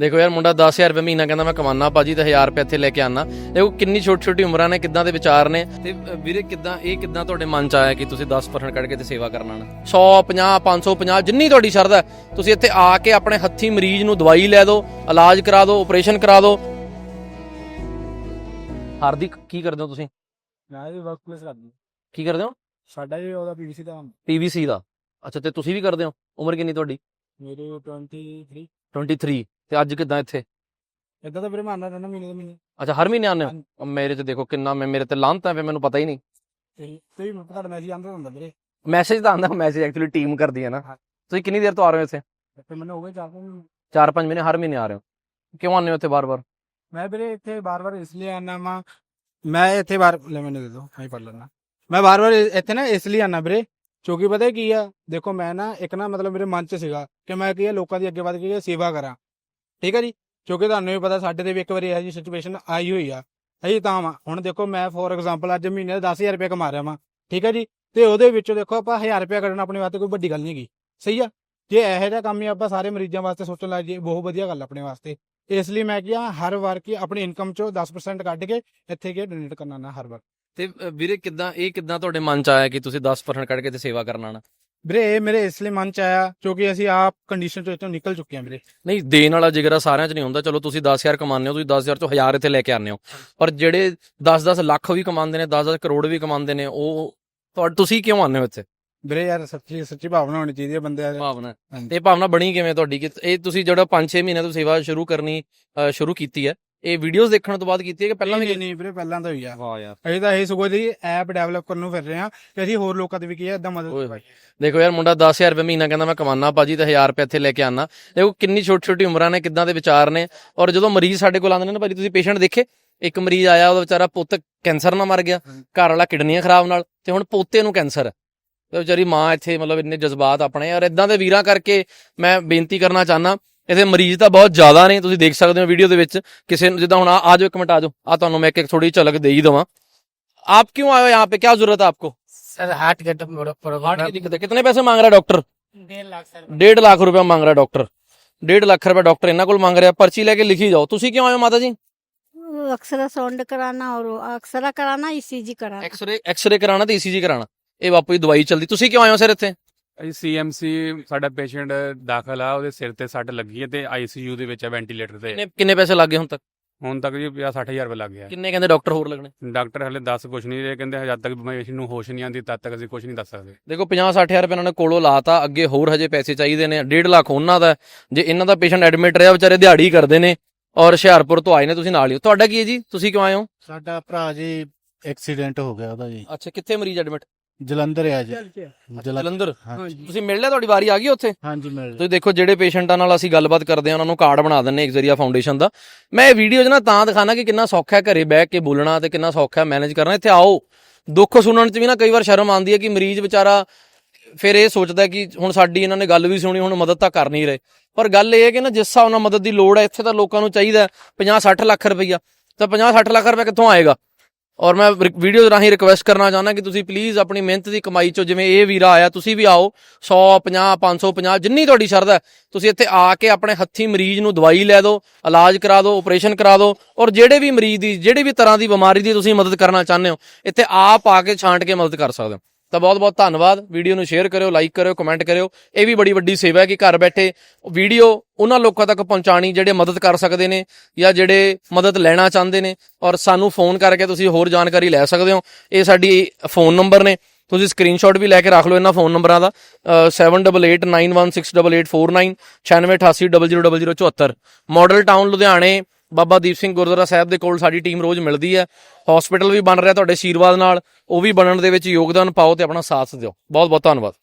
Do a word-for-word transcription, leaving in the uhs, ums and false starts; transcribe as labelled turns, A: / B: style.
A: ਦੇਖੋ ਯਾਰ ਮੁੰਡਾ ਦਸ ਹਜ਼ਾਰ ਰੁਪਏ ਮਹੀਨਾ ਕਹਿੰਦਾ ਮੈਂ ਕਮਾਨਾ ਭਾਜੀ ਤੇ ਹਜ਼ਾਰ ਰੁਪਏ ਇੱਥੇ ਲੈ ਕੇ ਆਣਾ। ਦੇਖੋ ਕਿੰਨੀ ਛੋਟੀ ਛੋਟੀ ਉਮਰਾਂ ਨੇ, ਕਿੱਦਾਂ ਦੇ ਵਿਚਾਰ ਨੇ। ਤੇ ਵੀਰੇ ਕਿੱਦਾਂ ਇਹ ਕਿੱਦਾਂ ਤੁਹਾਡੇ ਮਨ ਚ ਆਇਆ ਕਿ ਤੁਸੀਂ ਦਸ ਪਰਸੈਂਟ ਕੱਢ ਕੇ ਤੇ ਸੇਵਾ ਕਰਨਾ ਨਾ? ਸੌ ਪੰਜਾਹ ਪੰਜ ਸੌ ਪੰਜਾਹ ਜਿੰਨੀ ਤੁਹਾਡੀ ਸ਼ਰਧਾ ਹੈ, ਤੁਸੀਂ ਇੱਥੇ ਆ ਕੇ ਆਪਣੇ ਹੱਥੀਂ ਮਰੀਜ਼ ਨੂੰ ਦਵਾਈ ਲੈ ਦਿਓ, ਇਲਾਜ ਕਰਾ ਦਿਓ, ਆਪਰੇਸ਼ਨ ਕਰਾ ਦਿਓ। ਹਾਰਦਿਕ ਕੀ ਕਰਦੇ ਹੋ ਤੁਸੀਂ?
B: ਮੈਂ ਵੀ ਵਰਕ ਪਲੇਸ ਕਰਦਾ।
A: ਕੀ ਕਰਦੇ ਹੋ?
B: ਸਾਡਾ ਵੀ ਉਹਦਾ ਪੀਵੀਸੀ ਦਾ
A: ਪੀਵੀਸੀ ਦਾ। ਅੱਛਾ, ਤੇ ਤੁਸੀਂ ਵੀ ਕਰਦੇ ਹੋ? ਉਮਰ ਕਿੰਨੀ ਤੁਹਾਡੀ?
B: ਮੇਰੇ ਟਵੰਟੀ ਥ੍ਰੀ।
A: Twenty three. ਤੇ ਅੱਜ ਕਿੱਦਾਂ ਇੱਥੇ?
B: ਇਦਾਂ ਤਾਂ ਵੀਰੇ ਮੈਂ ਆਉਂਦਾ ਰਹਿੰਦਾ ਮਹੀਨੇ ਦੇ ਮਹੀਨੇ।
A: ਅੱਛਾ, ਹਰ ਮਹੀਨੇ ਆਉਂਦੇ ਹੋ? ਮੇਰੇ ਤੇ ਦੇਖੋ ਕਿੰਨਾ, ਮੈਂ ਮੇਰੇ ਤੇ ਲਾਂਤ ਹੈ, ਫਿਰ ਮੈਨੂੰ ਪਤਾ ਹੀ ਨਹੀਂ।
B: ਤੇ ਵੀ ਤੁਹਾਡਾ ਮੈਸੇਜ ਆਉਂਦਾ ਹੁੰਦਾ ਵੀਰੇ।
A: ਮੈਸੇਜ ਤਾਂ ਆਉਂਦਾ, ਮੈਸੇਜ ਐਕਚੁਅਲੀ ਟੀਮ ਕਰਦੀ ਹੈ ਨਾ। ਤੁਸੀਂ ਕਿੰਨੀ ਦੇਰ ਤੋਂ ਆ ਰਹੇ ਹੋ ਇੱਥੇ?
B: ਤੇ ਮੈਨੂੰ ਹੋ ਗਏ ਚਾਰ ਪੰਜ
A: ਚਾਰ ਪੰਜ ਮਹੀਨੇ। ਹਰ ਮਹੀਨੇ ਆ ਰਹੇ ਹੋ? ਕਿਉਂ ਆਉਂਦੇ ਹੋ ਇੱਥੇ ਬਾਰ ਬਾਰ?
B: ਮੈਂ ਵੀਰੇ ਇੱਥੇ ਬਾਰ ਬਾਰ ਇਸ ਲਈ ਆਉਣਾ ਵਾ, ਮੈਂ ਇੱਥੇ ਬਾਰ ਲੈ ਮੈਨੂੰ ਦੇ ਦੋ ਮੈਂ ਪੜ ਲੈਣਾ। ਮੈਂ ਬਾਰ ਬਾਰ ਇੱਥੇ ਨਾ ਇਸ ਲਈ ਆਉਣਾ ਵੀਰੇ, ਕਿਉਂਕਿ ਪਤਾ ਕੀ ਆ, ਦੇਖੋ ਮੈਂ ਨਾ ਇੱਕ ਨਾ ਮਤਲਬ ਮੇਰੇ ਮਨ ਚ ਸੀਗਾ ਕਿ ਮੈਂ ਕੀ ਆ ਲੋਕਾਂ ਦੀ ਅੱਗੇ ਵੱਧ ਕੇ ਸੇਵਾ ਕਰਾਂ, ਠੀਕ ਹੈ ਜੀ। ਕਿਉਂਕਿ ਤੁਹਾਨੂੰ ਵੀ ਪਤਾ ਸਾਡੇ ਤੇ ਵੀ ਇੱਕ ਵਾਰੀ ਇਹੋ ਜਿਹੀ ਸਿਚੁਏਸ਼ਨ ਆਈ ਹੋਈ ਆ। ਅਸੀਂ ਤਾਂ ਵਾ ਹੁਣ ਦੇਖੋ ਮੈਂ ਫੋਰ ਐਗਜ਼ਾਮਪਲ ਅੱਜ ਮਹੀਨੇ ਦਾ ਦਸ ਹਜ਼ਾਰ ਰੁਪਏ ਕਮਾ ਰਿਹਾ ਵਾਂ, ਠੀਕ ਹੈ ਜੀ। ਤੇ ਉਹਦੇ ਵਿੱਚੋਂ ਦੇਖੋ ਆਪਾਂ ਹਜ਼ਾਰ ਰੁਪਇਆ ਕੱਢਣਾ ਆਪਣੇ ਵਾਸਤੇ ਕੋਈ ਵੱਡੀ ਗੱਲ ਨਹੀਂ ਹੈਗੀ, ਸਹੀ ਆ। ਜੇ ਇਹੋ ਜਿਹਾ ਕੰਮ ਹੀ ਆਪਾਂ ਸਾਰੇ ਮਰੀਜ਼ਾਂ ਵਾਸਤੇ ਸੋਚਣ ਲੱਗ ਜਾਈਏ, ਬਹੁਤ ਵਧੀਆ ਗੱਲ ਆਪਣੇ ਵਾਸਤੇ। ਇਸ ਲਈ ਮੈਂ ਕਿਹਾ ਹਰ ਵਾਰ ਕੀ ਆਪਣੀ ਇਨਕਮ ਚੋਂ ਦਸ ਪਰਸੈਂਟ ਕੱਢ ਕੇ ਇੱਥੇ ਕੀ ਡੋਨੇਟ ਕਰਨਾ ਨਾ ਹਰ ਵਾਰ।
A: ਤੇ ਵੀਰੇ ਕਿੱਦਾਂ ਇਹ ਕਿੱਦਾਂ ਤੁਹਾਡੇ ਮਨ ਚ ਆਇਆ ਕਿ ਤੁਸੀਂ ਦਸ ਪਰਸੈਂਟ ਕੱਢ ਕੇ ਤੇ ਸੇਵਾ ਕਰਨਾ ਨਾ?
B: ਵੀਰੇ ਇਹ ਮੇਰੇ ਇਸ ਲਈ ਮਨ ਚ ਆਇਆ ਕਿਉਂਕਿ ਅਸੀਂ ਆਪ ਕੰਡੀਸ਼ਨ ਤੋਂ ਇੱਥੋਂ ਨਿਕਲ ਚੁੱਕੇ ਹਾਂ ਵੀਰੇ।
A: ਨਹੀਂ, ਦੇਣ ਵਾਲਾ ਜਿਗਰਾ ਸਾਰਿਆਂ ਚ ਨਹੀਂ ਹੁੰਦਾ। ਚਲੋ ਤੁਸੀਂ ਦਸ ਹਜ਼ਾਰ ਕਮਾਉਂਦੇ ਹੋ, ਤੁਸੀਂ ਦਸ ਹਜ਼ਾਰ ਚੋਂ ਹਜ਼ਾਰ ਇੱਥੇ ਲੈ ਕੇ ਆਉਂਦੇ ਹੋ, ਪਰ ਜਿਹੜੇ ਦਸ ਦਸ ਲੱਖ ਵੀ ਕਮਾਉਂਦੇ ਨੇ, ਦਸ ਦਸ ਕਰੋੜ ਵੀ ਕਮਾਉਂਦੇ ਨੇ, ਉਹ ਤੁਹਾਡੇ ਤੁਸੀਂ ਕਿਉਂ ਆਉਂਦੇ ਹੋ ਇੱਥੇ?
B: ਵੀਰੇ ਯਾਰ ਸੱਚੀ ਸੱਚੀ ਭਾਵਨਾ ਹੋਣੀ ਚਾਹੀਦੀ ਹੈ ਬੰਦੇ ਦੀ।
A: ਭਾਵਨਾ। ਇਹ ਭਾਵਨਾ ਬਣੀ ਕਿਵੇਂ ਤੁਹਾਡੀ ਕਿ ਇਹ ਤੁਸੀਂ ਜਿਹੜਾ ਪੰਜ ਛੇ ਮਹੀਨੇ ਤੋਂ ਸੇਵਾ ਸ਼ੁਰੂ ਕਰਨੀ ਸ਼ੁਰੂ ਕੀਤੀ ਹੈ, ਇਹ ਵੀਡੀਓਜ਼ ਦੇਖਣ ਤੋਂ ਬਾਅਦ ਕੀਤੀ ਹੈ ਕਿ ਪਹਿਲਾਂ ਵੀ?
B: ਨਹੀਂ ਵੀਰੇ ਪਹਿਲਾਂ ਤਾਂ ਹੋਈ ਆ।
A: ਵਾਹ ਯਾਰ,
B: ਅਸੀਂ ਤਾਂ ਇਹ ਸਗੋਂ ਦੀ ਐਪ ਡਿਵੈਲਪ ਕਰਨ ਨੂੰ ਫਿਰ ਰਹੇ ਹਾਂ ਕਿ ਅਸੀਂ ਹੋਰ ਲੋਕਾਂ ਦੀ ਵੀ ਕੀ ਹੈ ਇਦਾਂ ਮਦਦ।
A: ਦੇਖੋ ਯਾਰ ਮੁੰਡਾ ਦਸ ਹਜ਼ਾਰ ਰੁਪਏ ਮਹੀਨਾ ਕਹਿੰਦਾ ਮੈਂ ਕਮਾਨਾ ਭਾਜੀ ਤੇ ਹਜ਼ਾਰ ਰੁਪਏ ਇੱਥੇ ਲੈ ਕੇ ਆਣਾ। ਦੇਖੋ ਕਿੰਨੀ ਛੋਟੀ ਛੋਟੀ ਉਮਰਾਂ ਨੇ, ਕਿੱਦਾਂ ਦੇ ਵਿਚਾਰ ਨੇ। ਔਰ ਜਦੋਂ ਮਰੀਜ਼ ਸਾਡੇ ਕੋਲ ਆਉਂਦੇ ਨੇ ਨਾ ਭਾਜੀ, ਤੁਸੀਂ ਪੇਸ਼ੈਂਟ ਦੇਖੇ, ਇੱਕ ਮਰੀਜ਼ ਆਇਆ, ਉਹਦਾ ਵਿਚਾਰਾ ਪੁੱਤ ਕੈਂਸਰ ਨਾਲ ਮਰ ਗਿਆ, ਘਰ ਵਾਲਾ ਕਿਡਨੀਆਂ ਖਰਾਬ ਨਾਲ, ਤੇ ਹੁਣ ਪੋਤੇ ਨੂੰ ਕੈਂਸਰ ਹੈ। ਤੇ ਵਿਚਾਰੀ ਮਾਂ ਇੱਥੇ ਮਤਲਬ ਇੰਨੇ ਜਜ਼ਬਾਤ ਆਪਣੇ। ਔਰ ਇਦਾਂ ਦੇ ਵੀਰਾਂ ਕਰਕੇ ਮੈਂ ਬੇਨਤੀ ਕਰਨਾ ਚਾਹੁੰਦਾ, ਇਹਦੇ ਮਰੀਜ਼ ਤਾਂ ਬਹੁਤ ਜ਼ਿਆਦਾ ਨੇ, ਤੁਸੀਂ ਦੇਖ ਸਕਦੇ ਹੋ ਵੀਡੀਓ ਦੇ ਵਿੱਚ। ਕਿਸੇ ਨੂੰ ਜਿੱਦਾਂ ਹੁਣ ਆ ਜਾਓ, ਇੱਕ ਮਿੰਟ ਆ ਜਾਓ, ਆ ਤੁਹਾਨੂੰ ਮੈਂ ਇੱਕ ਥੋੜੀ ਝਲਕ ਦੇ ਹੀ ਦੇਵਾਂ। ਆਪ ਕਿਉਂ ਆਏ ਹੋ यहाँ पे, क्या जरूरत है आपको?
C: सर हार्ट का
A: हार्ट की दिक्कत है। कितने पैसे मांग रहा है डॉक्टर?
C: डेढ़ लाख सर।
A: डेढ़ लाख रुपया मांग रहा है डॉक्टर। डेढ़ लाख रुपया डॉक्टर इन्हों को मांग रहा है। पर्ची लेके लिखी जाओ। तुसी क्यों आए हो माता जी?
C: अक्सरा साउंड कराना और अक्सरा कराना, ईसीजी कराना।
A: एक्सरे एक्सरे कराना ਤੇ ईसीजी कराना। ਇਹ ਬਾਪੂ ਦੀ ਦਵਾਈ ਚੱਲਦੀ। ਤੁਸੀਂ ਕਿਉਂ ਆਏ ਹੋ ਸਰ ਇੱਥੇ?
D: ਅਸੀਂ ਸੀ ਐਮ ਸੀ ਸਾਡਾ ਪੇਸ਼ੈਂਟ ਦਾਖਲ ਆ, ਉਹਦੇ ਸਿਰ ਤੇ ਸੱਟ ਲੱਗੀ ਹੈ ਤੇ ਆਈ ਸੀ ਯੂ ਦੇ ਵਿੱਚ ਹੈ, ਵੈਂਟੀਲੇਟਰ ਤੇ।
A: ਕਿੰਨੇ ਕਿੰਨੇ ਪੈਸੇ ਲੱਗ ਗਏ ਹੁਣ ਤੱਕ?
D: ਹੁਣ ਤੱਕ ਜੀ ਪੰਜਾਹ ਸੱਠ ਹਜ਼ਾਰ ਰੁਪਏ ਲੱਗ ਗਿਆ।
A: ਕਿੰਨੇ ਕਹਿੰਦੇ ਡਾਕਟਰ ਹੋਰ ਲੱਗਣੇ?
D: ਡਾਕਟਰ ਹਲੇ ਦੱਸ ਕੁਛ ਨਹੀਂ ਰਹੇ, ਕਹਿੰਦੇ ਜਦ ਤੱਕ ਪੇਸ਼ੈਂਟ ਨੂੰ ਹੋਸ਼ ਨਹੀਂ ਆਉਂਦੀ ਤਦ ਤੱਕ ਅਸੀਂ ਕੁਛ ਨਹੀਂ ਦੱਸ ਸਕਦੇ।
A: ਦੇਖੋ ਪੰਜਾਹ ਸੱਠ ਹਜ਼ਾਰ ਰੁਪਏ ਇਹਨਾਂ ਨੇ ਕੋਲੋਂ ਲਾਤਾ, ਅੱਗੇ ਹੋਰ ਹਜੇ ਪੈਸੇ ਚਾਹੀਦੇ ਨੇ। ਡੇਢ ਲੱਖ ਉਹਨਾਂ ਦਾ। ਜੇ ਇਹਨਾਂ ਦਾ ਪੇਸ਼ੈਂਟ ਐਡਮਿਟ ਰਿਹਾ, ਵਿਚਾਰੇ ਦਿਹਾੜੀ ਕਰਦੇ ਨੇ, ਔਰ ਹੁਸ਼ਿਆਰਪੁਰ ਤੋਂ ਆਏ ਨੇ, ਤੁਸੀਂ ਨਾਲ ਹੀ ਹੋ। ਤੁਹਾਡਾ ਕੀ ਹੈ ਜੀ? ਤੁਸੀਂ ਕਿਉਂ ਆਏ ਹੋ?
E: ਸਾਡਾ ਭਰਾ ਜੀ ਐਕਸੀਡੈਂਟ ਹੋ ਗਿਆ ਉਹਦਾ ਜੀ।
A: ਅੱਛਾ, ਕਿੱਥੇ ਮਰੀਜ਼ ਐਡਮਿਟ?
E: ਜਲੰਧਰ ਆ ਜੀ।
A: ਜਲੰਧਰ। ਤੁਸੀਂ ਮਿਲ ਲਿਆ? ਤੁਹਾਡੀ ਵਾਰੀ ਆ ਗਈ ਉੱਥੇ?
E: ਹਾਂਜੀ ਮਿਲ।
A: ਤੁਸੀਂ ਦੇਖੋ ਜਿਹੜੇ ਪੇਸ਼ੈਂਟਾਂ ਨਾਲ ਅਸੀਂ ਗੱਲਬਾਤ ਕਰਦੇ ਹਾਂ, ਉਹਨਾਂ ਨੂੰ ਕਾਰਡ ਬਣਾ ਦਿੰਦੇ ਇੱਕ ਜ਼ਰੀਆ ਫਾਊਂਡੇਸ਼ਨ ਦਾ। ਮੈਂ ਇਹ ਵੀਡੀਓ 'ਚ ਨਾ ਤਾਂ ਦਿਖਾਣਾ ਕਿ ਕਿੰਨਾ ਸੌਖਾ ਹੈ ਘਰੇ ਬਹਿ ਕੇ ਬੋਲਣਾ ਤੇ ਕਿੰਨਾ ਸੌਖਾ ਹੈ ਮੈਨੇਜ ਕਰਨਾ। ਇੱਥੇ ਆਓ, ਦੁੱਖ ਸੁਣਨ 'ਚ ਵੀ ਨਾ ਕਈ ਵਾਰ ਸ਼ਰਮ ਆਉਂਦੀ ਹੈ ਕਿ ਮਰੀਜ਼ ਵਿਚਾਰਾ ਫਿਰ ਇਹ ਸੋਚਦਾ ਕਿ ਹੁਣ ਸਾਡੀ ਇਹਨਾਂ ਨੇ ਗੱਲ ਵੀ ਸੁਣੀ, ਹੁਣ ਮਦਦ ਤਾਂ ਕਰ ਨਹੀਂ ਰਹੇ। ਪਰ ਗੱਲ ਇਹ ਹੈ ਕਿ ਨਾ ਜਿਸ ਹਿਸਾਬ ਨਾਲ ਮਦਦ ਦੀ ਲੋੜ ਹੈ, ਇੱਥੇ ਤਾਂ ਲੋਕਾਂ ਨੂੰ ਚਾਹੀਦਾ ਪੰਜਾਹ ਸੱਠ ਲੱਖ ਰੁਪਈਆ, ਤਾਂ ਪੰਜਾਹ ਸੱਠ ਲੱਖ ਰੁਪਇਆ ਕਿੱਥੋਂ ਆਏਗਾ? ਔਰ ਮੈਂ ਵੀਡੀਓ ਰਾਹੀਂ ਰਿਕੁਐਸਟ ਕਰਨਾ ਚਾਹੁੰਦਾ ਕਿ ਤੁਸੀਂ ਪਲੀਜ਼ ਆਪਣੀ ਮਿਹਨਤ ਦੀ ਕਮਾਈ ਚੋਂ, ਜਿਵੇਂ ਇਹ ਵੀਰਾ ਆਇਆ, ਤੁਸੀਂ ਵੀ ਆਓ। ਸੌ ਪੰਜਾਹ ਪੰਜ ਸੌ ਪੰਜਾਹ ਜਿੰਨੀ ਤੁਹਾਡੀ ਸ਼ਰਧਾ ਹੈ, ਤੁਸੀਂ ਇੱਥੇ ਆ ਕੇ ਆਪਣੇ ਹੱਥੀਂ ਮਰੀਜ਼ ਨੂੰ ਦਵਾਈ ਲੈ ਦਿਓ, ਇਲਾਜ ਕਰਾ ਦਿਓ, ਆਪਰੇਸ਼ਨ ਕਰਾ ਦਿਓ। ਔਰ ਜਿਹੜੇ ਵੀ ਮਰੀਜ਼ ਦੀ ਜਿਹੜੀ ਵੀ ਤਰ੍ਹਾਂ ਦੀ ਬਿਮਾਰੀ ਦੀ ਤੁਸੀਂ ਮਦਦ ਕਰਨਾ ਚਾਹੁੰਦੇ ਹੋ, ਇੱਥੇ ਆਪ ਆ ਕੇ ਛਾਂਟ ਕੇ ਮਦਦ ਕਰ ਸਕਦੇ ਹੋ। ਤਾਂ ਬਹੁਤ ਬਹੁਤ ਧੰਨਵਾਦ। ਵੀਡੀਓ ਨੂੰ ਸ਼ੇਅਰ ਕਰਿਓ, ਲਾਈਕ ਕਰਿਓ, ਕਮੈਂਟ ਕਰਿਓ। ਇਹ ਵੀ ਬੜੀ ਵੱਡੀ ਸੇਵਾ ਹੈ ਕਿ ਘਰ ਬੈਠੇ ਵੀਡੀਓ ਉਹਨਾਂ ਲੋਕਾਂ ਤੱਕ ਪਹੁੰਚਾਣੀ ਜਿਹੜੇ ਮਦਦ ਕਰ ਸਕਦੇ ਨੇ ਜਾਂ ਜਿਹੜੇ ਮਦਦ ਲੈਣਾ ਚਾਹੁੰਦੇ ਨੇ। ਔਰ ਸਾਨੂੰ ਫੋਨ ਕਰਕੇ ਤੁਸੀਂ ਹੋਰ ਜਾਣਕਾਰੀ ਲੈ ਸਕਦੇ ਹੋ। ਇਹ ਸਾਡੀ ਫੋਨ ਨੰਬਰ ਨੇ, ਤੁਸੀਂ ਸਕਰੀਨਸ਼ਾਟ ਵੀ ਲੈ ਕੇ ਰੱਖ ਲਓ ਇਹਨਾਂ ਫੋਨ ਨੰਬਰਾਂ ਦਾ। Seven double eight nine one six double eight four nine ਛਿਆਨਵੇਂ ਅਠਾਸੀ ਡਬਲ ਜ਼ੀਰੋ ਡਬਲ ਜ਼ੀਰੋ ਚੁਹੱਤਰ। ਮਾਡਲ ਟਾਊਨ ਲੁਧਿਆਣੇ ਬਾਬਾ ਦੀਪ ਸਿੰਘ ਗੁਰਦੁਆਰਾ ਸਾਹਿਬ ਦੇ ਕੋਲ ਸਾਡੀ ਟੀਮ ਰੋਜ਼ ਮਿਲਦੀ ਹੈ। ਹਸਪੀਟਲ ਵੀ ਬਣ ਰਿਹਾ ਤੁਹਾਡੇ ਆਸ਼ੀਰਵਾਦ ਨਾਲ, ਉਹ ਵੀ ਬਣਨ ਦੇ ਵਿੱਚ ਯੋਗਦਾਨ ਪਾਓ ਤੇ ਆਪਣਾ ਸਾਥ ਦਿਓ। ਬਹੁਤ ਬਹੁਤ ਧੰਨਵਾਦ।